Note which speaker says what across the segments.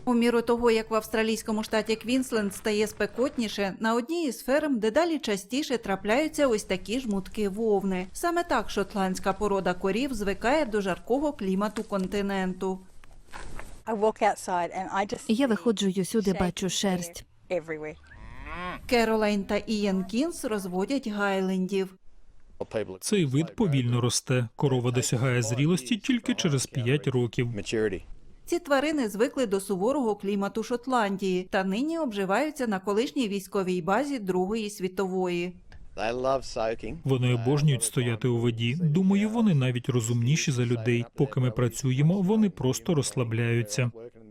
Speaker 1: У міру того, як в австралійському штаті Квінсленд стає спекотніше, на одній із ферм дедалі частіше трапляються ось такі жмутки вовни. Саме так шотландська порода корів звикає до жаркого клімату континенту.
Speaker 2: Я виходжу й усюди бачу шерсть.
Speaker 1: Керолайн та Ієн Кінс розводять гайлендів.
Speaker 3: Цей вид повільно росте. Корова досягає зрілості тільки через 5 років.
Speaker 1: Ці тварини звикли до суворого клімату Шотландії та нині обживаються на колишній військовій базі Другої світової.
Speaker 3: Вони обожнюють стояти у воді. Думаю, вони навіть розумніші за людей. Поки ми працюємо, вони просто розслабляються.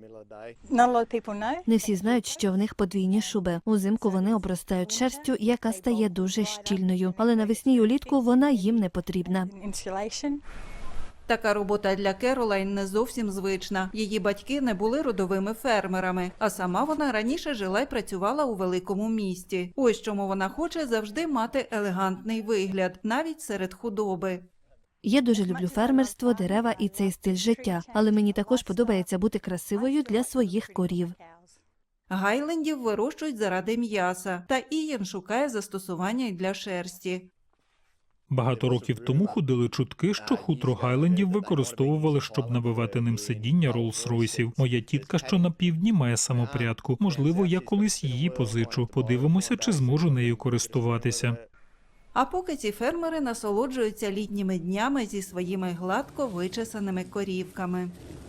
Speaker 2: Не всі знають, що в них подвійні шуби. Узимку вони обростають шерстю, яка стає дуже щільною, але навесні й улітку вона їм не потрібна.
Speaker 1: Така робота для Керолайн не зовсім звична. Її батьки не були родовими фермерами, а сама вона раніше жила й працювала у великому місті. Ось чому вона хоче завжди мати елегантний вигляд, навіть серед худоби.
Speaker 2: Я дуже люблю фермерство, дерева і цей стиль життя, але мені також подобається бути красивою для своїх корів.
Speaker 1: Гайлендів вирощують заради м'яса, та Ієн шукає застосування й для шерсті.
Speaker 3: Багато років тому ходили чутки, що хутро Гайлендів використовували, щоб набивати ним сидіння Роллс-Ройсів. Моя тітка, що на півдні, має самопрядку. Можливо, я колись її позичу. Подивимося, чи зможу нею користуватися.
Speaker 1: А поки ці фермери насолоджуються літніми днями зі своїми гладко вичесаними корівками.